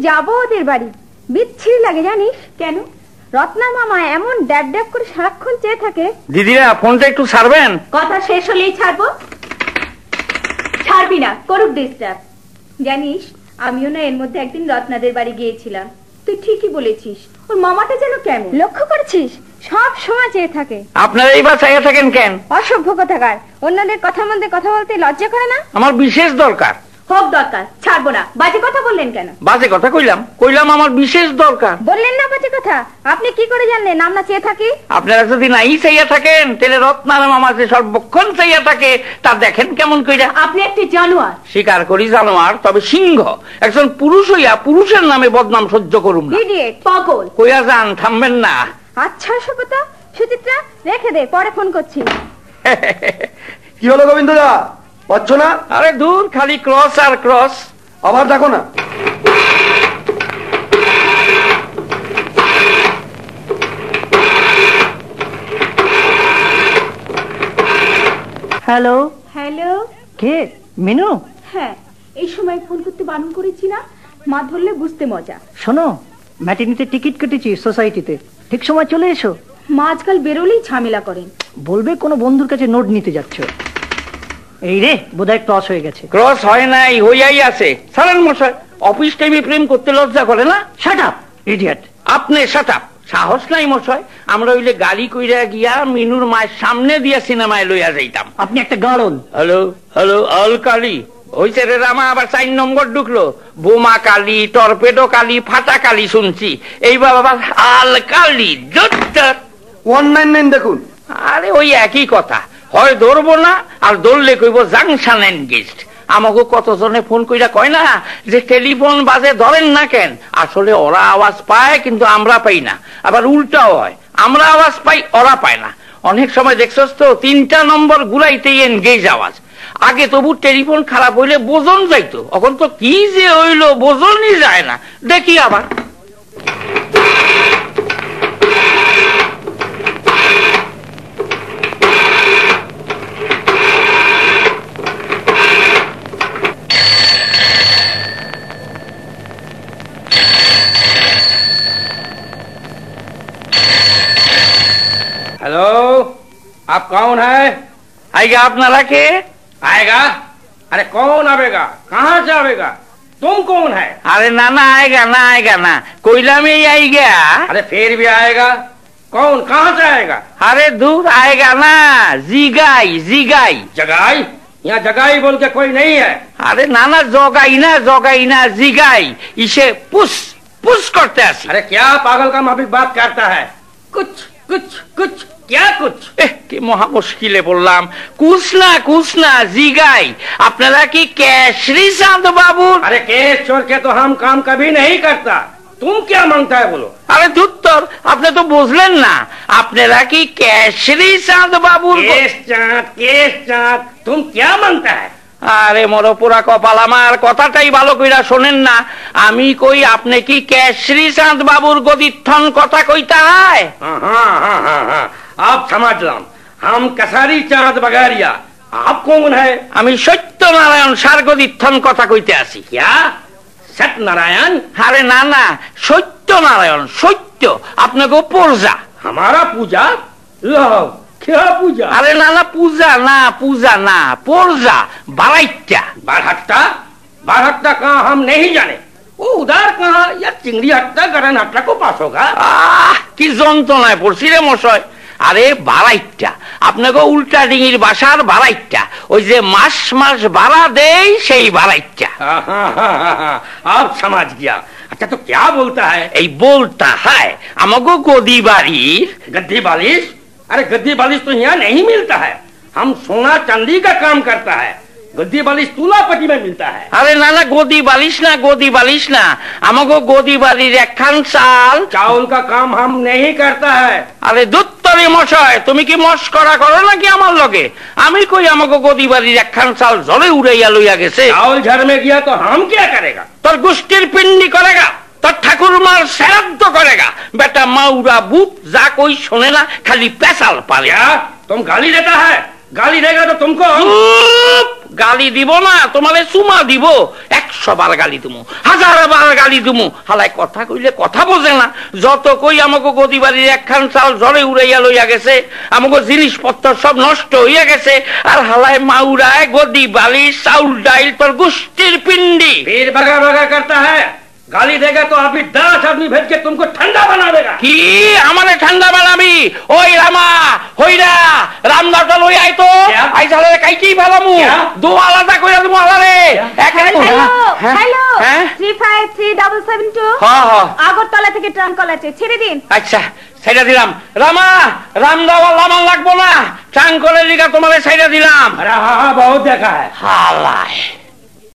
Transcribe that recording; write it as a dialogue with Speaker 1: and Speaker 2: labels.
Speaker 1: যাবো ওদের বাড়ি, বিচ্ছিরি লাগে জানিস। কেন? রত্না মামা এমন ড্যাব ড্যাব করে সারাক্ষণ চেয়ে থাকে।
Speaker 2: দিদিরা ফোনটা একটু ছাড়বেন।
Speaker 1: কথা শেষ হলেই ছাড়বো। ছাড়বি না, করুক ডিস্টার্ব। জানিস আমিও না এর মধ্যে একদিন রত্নাদের বাড়ি গিয়েছিলাম। তুই ঠিকই বলেছিস, ওর মামাটা যেন কেমন। লক্ষ্য করেছিস? সব সময় চেয়ে থাকে।
Speaker 2: আপনারা এইবার চাইয়া থাকেন কেন?
Speaker 1: অসভ্য কথাকার, অন্যদের কথার মধ্যে কথা বলতে লজ্জা করে না?
Speaker 2: আমার বিশেষ দরকার।
Speaker 1: হোক দরকার, ছাড়বো না। বাজে কথা বললেন কেন?
Speaker 2: বাজে কথা কইলাম আমার বিশেষ দরকার।
Speaker 1: বললেন না বাজে কথা? আপনি কি করে জানলেন আমরা চেয়ে থাকি?
Speaker 2: আপনারা যদি নাই চাইয়া থাকেন তাহলে রত্নার মামা যে সর্বক্ষণ চাইয়া থাকে তা দেখেন কেমন কইরা।
Speaker 1: আপনি একটি জানোয়ার।
Speaker 2: স্বীকার করি জানোয়ার, তবে সিংহ। একজন পুরুষ হইয়া পুরুষের নামে বদনাম সহ্য করুম না।
Speaker 1: ইডিয়েট, পাগল।
Speaker 2: কইয়া যান, থামবেন না।
Speaker 1: আচ্ছা সুকতা, সুচিত্রা রেখে দে, পরে ফোন করছি।
Speaker 3: কি হলো গোবিন্দদা, পাচ্ছ না?
Speaker 2: আরে দূর, খালি ক্রস আর ক্রস।
Speaker 3: আবার দেখো না।
Speaker 4: হ্যালো
Speaker 1: হ্যালো,
Speaker 4: কে? মিনু?
Speaker 1: হ্যাঁ, এই সময় ফোন করতে বারণ করেছি না? মা ধরলে বুঝতে মজা।
Speaker 4: শোনো, ম্যাটিনিতে টিকিট কেটেছি সোসাইটিতে, ঠিক সময় চলে এসো।
Speaker 1: মা আজকাল বেরোলেই ঝামেলা করেন।
Speaker 4: বলবে কোনো বন্ধুর কাছে নোট নিতে যাচ্ছ। এই রে, বোধহয় ক্রস হয়ে গেছে।
Speaker 2: ক্রস হয় নাই, হইয়াই আছে। সারেন মশাই, অফিস টাইমে প্রেম করতে লজ্জা করে না?
Speaker 4: Shut up idiot.
Speaker 2: আপনি শাট আপ। সাহস নাই মশাই, আমরা হইলে গাড়ি কইরা গিয়া মিনুর মায়ের সামনে দিয়া সিনেমায় লইয়া যাইতাম।
Speaker 4: আপনি একটা গাড়ন।
Speaker 2: হ্যালো হ্যালো, আল কালি হইছে রে রামা, আবার 4 নম্বর ঢুকলো। বোমা কালি, টর্পেডো কালি, ফাটা কালি শুনছি, এইবার আবার আল কালি।
Speaker 3: 199 দেখুন।
Speaker 2: আরে ওই একই কথা, হয় ধরবো না, আর ধরলে কইব জাংশন এনগেজড। আমাকে কতজনে ফোন কইরা কয় না যে টেলিফোন বাজে ধরেন না কেন। আসলে ওরা আওয়াজ পায় কিন্তু আমরা পাই না, আবার উল্টাও হয়, আমরা আওয়াজ পাই ওরা পায় না। অনেক সময় দেখছস তো 3টা নম্বর গুলাইতেই এনগেজ আওয়াজ। আগে তবু টেলিফোন খারাপ হইলে বোঝন যাইতো, এখন তো কি যে হইলো বোঝনই যায় না। দেখি আবার।
Speaker 5: हेलो, आप कौन है?
Speaker 2: आएगा আপনারা কে?
Speaker 5: आएगा? अरे कौन आवेगा? कहाँ से आवेगा? तुम कौन है?
Speaker 2: अरे ना ना आएगा ना, आएगा ना, कोयला में ही आएगा।
Speaker 5: अरे फिर भी आएगा? कौन, कहाँ से आएगा?
Speaker 2: अरे दूर आएगा ना, जिगाई जिगाई।
Speaker 5: जगाई? यहाँ जगाई बोल के कोई नहीं है।
Speaker 2: अरे ना ना, जोगाई ना जिगाई, इसे पुश पुश करते हैं।
Speaker 5: अरे क्या पागल का माफिक बात करता है? कुछ कुछ कुछ क्या कुछ?
Speaker 2: কি মহা মুশকিলে বললাম। কুছ না জিগাই। আপনারা কি কেশরি চাঁদ বাবু?
Speaker 5: अरे केस छोड़ के तो हम काम कभी नहीं करता। तुम क्या मांगता है बोलो?
Speaker 2: আরে ধুত্তর, আপনি তো বুঝলেন না। আপনারা কি কেশরি চাঁদ বাবুর?
Speaker 5: केस चाँद, तुम क्या मांगता है?
Speaker 2: আরে মরো পুরা কপাল, আমার কথাটাই ভালো কইরা শোনেন না। আমি কই আপনি কি কেশরি চাঁদ বাবুর গদিত্থন কথা কইতা হয়?
Speaker 5: हाँ, आप समझ लाम, हम कसारी चाँद बगारिया। आप कौन है?
Speaker 2: আমি সত্যনারায়ণ সার গদিত্থন কথা কইতে আসি।
Speaker 5: क्या सत्यनारायण?
Speaker 2: আরে না না, সত্যনারায়ণ, সত্য আপনাকে পূজা।
Speaker 5: हमारा पूजा? लो, क्या पूजा?
Speaker 2: আরে না না, পূজা না, পূজা বারাইটা।
Speaker 5: बारहट्टा कहाँ हम नहीं जाने। वो उधर कहाँ, या चिंगड़ी हट्टा गरन हट्टा को पास होगा।
Speaker 2: কি যন্ত্রণায় পড়ছি রে মশাই। আরে বারাইটা, আপনাকে উল্টা ডিঙির বাসার বারাইটা, ওই যে মাস মাস ভাড়া দেই সেই বারাইটা।
Speaker 5: आप समझ गया। अच्छा तो क्या बोलता है?
Speaker 2: এই বলতা হয় আমাকে গদি বাড়ির
Speaker 5: गद्दी बालिश? अरे गद्दी बालिश तो यहाँ नहीं मिलता है। हम सोना चांदी का काम करता है। गद्दी बालिश तुलापट्टी में मिलता है।
Speaker 2: আরে না না, গদি বালিশ না, আমাকে গদি বাড়ির একখান চাল।
Speaker 5: चावल का काम हम नहीं करता है।
Speaker 2: আরে দুত্তরি মশাই, তুমি কি মস্করা করো নাকি আমার লগে? আমি কই আমাকে গদি বাড়ির একখান চাল জলে উড়াইয়া লইয়া গেছে।
Speaker 5: चावल झर में गया तो हम क्या करेगा?
Speaker 2: তোর গোষ্ঠীর পিন্ডি করেগা, তোর ঠাকুরমার শ্রাদ্ধ করেগা। বেটা মাউরা বুত যা কই শোনে না, খালি পেশাল পারে।
Speaker 5: क्या तुम गाली देता है? गाली देगा तो तुमको
Speaker 2: গালি দিব না তোমারে চুমা দিব, 100 বার গালি দিমু, 1000 বার গালি দিমু। হালাই কথা কইলে কথা বোঝে না। যত কই আমাকে গদি বাড়ির একখান চাল ঝড়ে উড়াইয়া লইয়া গেছে, আমাকে জিনিসপত্র সব নষ্ট হইয়া গেছে। আর হালাই মাউরায় গদি বালি চাউল ডাইল তোর গুষ্টির পিন্ডি।
Speaker 5: फिर भगा भगा करता है, गाली देगा तो अभी 10 आदमी भेज के तुमको ठंडा बना देगा।
Speaker 2: কি আমারে ঠান্ডা বানাবি? ওই রামা হইরা রামদাটা লই আই তো,
Speaker 5: क्या?
Speaker 2: আই সালে কাইকি ভালামু,
Speaker 5: क्या?
Speaker 2: দো আলাদা কইরা দিমু আলারে।
Speaker 1: হ্যালো
Speaker 2: হ্যাঁ?
Speaker 1: হ্যালো
Speaker 2: হ্যাঁ?
Speaker 1: 353772
Speaker 2: হ্যাঁ হ্যাঁ
Speaker 1: আগরতলা থেকে ট্রাঙ্ক কল আছে, ছেড়ে দিন।
Speaker 2: আচ্ছা সাইডা দিলাম। রামা রামদাওয়া লামান লাগবো না, চাঙ্কলের লিগা তোমারে সাইডা দিলাম।
Speaker 5: अरे हाँ हाँ बहुत देखा है।
Speaker 2: হালায়